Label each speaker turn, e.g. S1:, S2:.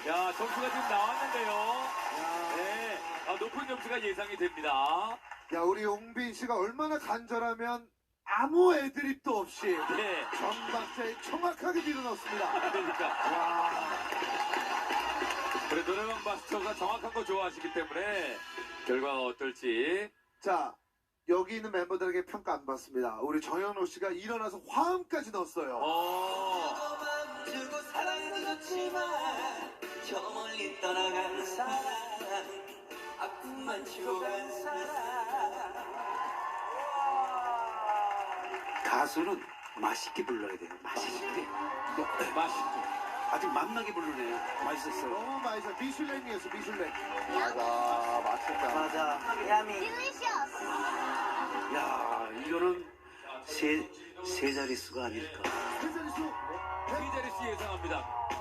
S1: 야, 점수가 지금 나왔는데요. 네. 높은 점수가 예상이 됩니다.
S2: 야, 우리 용빈 씨가 얼마나 간절하면 아무 애드립도 없이
S1: 네.
S2: 정박자에 정확하게 밀어넣습니다.
S1: 그러니까.
S2: 와.
S1: 그래, 노래방 마스터가 정확한 거 좋아하시기 때문에 결과가 어떨지.
S2: 자, 여기 있는 멤버들에게 평가 안 받습니다. 우리 정현호 씨가 일어나서 화음까지 넣었어요.
S3: 주고 사랑도 좋지만 저 멀리 떠나간 사람 아픔만 주고 간 사람.
S4: 가수는 맛있게 불러야 돼요. 맛있게.
S1: 맛있고.
S4: 아직 맛나게 부르네요. 맛있었어요.
S2: 너무 맛있어. 미슐랭이었어, 미슐랭.
S5: 맞아, 맛있다.
S4: 맞아. 야미.
S6: Delicious.
S4: 야, 이거는 세 자릿수가 아닐까.
S2: 세 자릿수.
S1: 이재리 씨 예상합니다.